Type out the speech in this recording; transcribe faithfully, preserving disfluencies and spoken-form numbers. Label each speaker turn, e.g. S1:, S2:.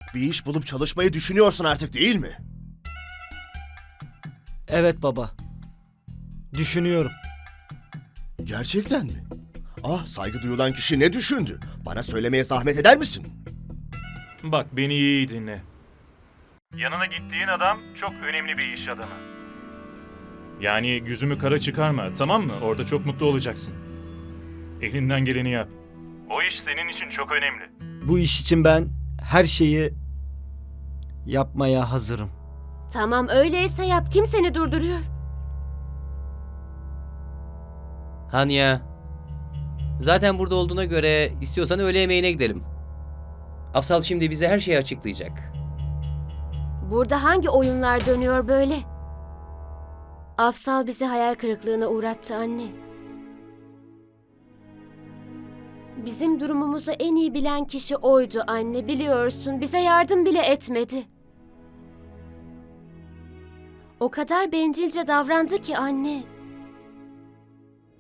S1: Bir iş bulup çalışmayı düşünüyorsun artık, değil mi?
S2: Evet baba. Düşünüyorum.
S1: Gerçekten mi? Ah, saygı duyulan kişi ne düşündü? Bana söylemeye zahmet eder misin?
S3: Bak beni iyi dinle. Yanına gittiğin adam çok önemli bir iş adamı. Yani yüzümü kara çıkarma, tamam mı? Orada çok mutlu olacaksın. Elinden geleni yap. O iş senin için çok önemli.
S2: Bu iş için ben her şeyi yapmaya hazırım.
S4: Tamam öyleyse yap. Kim seni durduruyor?
S5: Hanya. Zaten burada olduğuna göre istiyorsan öğle yemeğine gidelim. Afsal şimdi bize her şeyi açıklayacak.
S4: Burada hangi oyunlar dönüyor böyle? Afsal bizi hayal kırıklığına uğrattı anne. Bizim durumumuzu en iyi bilen kişi oydu anne, biliyorsun. Bize yardım bile etmedi. O kadar bencilce davrandı ki anne.